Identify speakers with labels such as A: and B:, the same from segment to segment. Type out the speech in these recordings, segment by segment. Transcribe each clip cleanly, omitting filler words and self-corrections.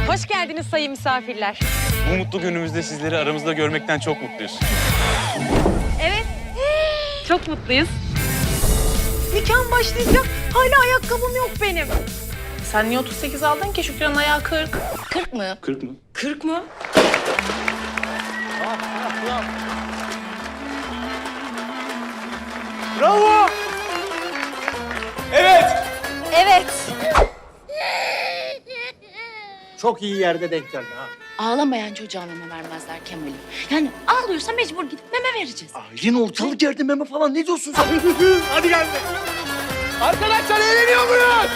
A: Hoş geldiniz sayın misafirler.
B: Bu mutlu günümüzde sizleri aramızda görmekten çok mutluyuz.
A: Evet. Çok mutluyuz.
C: Nikahım başlayacak. Hala ayakkabım yok benim.
D: Sen niye 38 aldın ki? Şükran'ın ayağı 40.
A: 40 mı?
B: 40 mı?
A: 40 mı?
B: Bravo! Evet!
A: Evet.
E: Çok iyi yerde denk geldi ha.
F: Ağlamayan çocuğa meme vermezler Kemal'im. Yani ağlıyorsa mecbur gidip meme vereceğiz.
E: Aylin ortalık yerde meme falan ne diyorsun sen? Hadi gel. Arkadaşlar eğleniyor muyuz?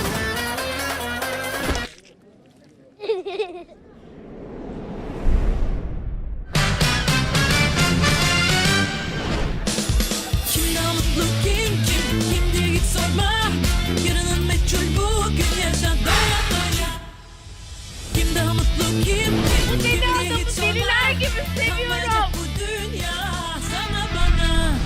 G: Kim daha mutlu kim diye git sorma. Yarının meçhul bugün yaşa doya doya. Kim daha mutlu kim diye git sorma. Deliler gibi seviyorum. Bu dünya sana bana.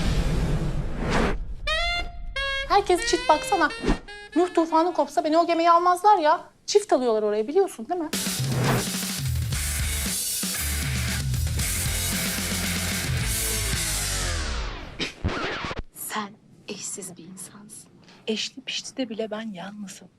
D: Herkes çift baksana. Nuh tufanı kopsa beni o gemiye almazlar ya. Çift alıyorlar oraya biliyorsun değil mi?
F: Sen eşsiz bir insansın.
D: Eşli pişti de bile ben yalnızım.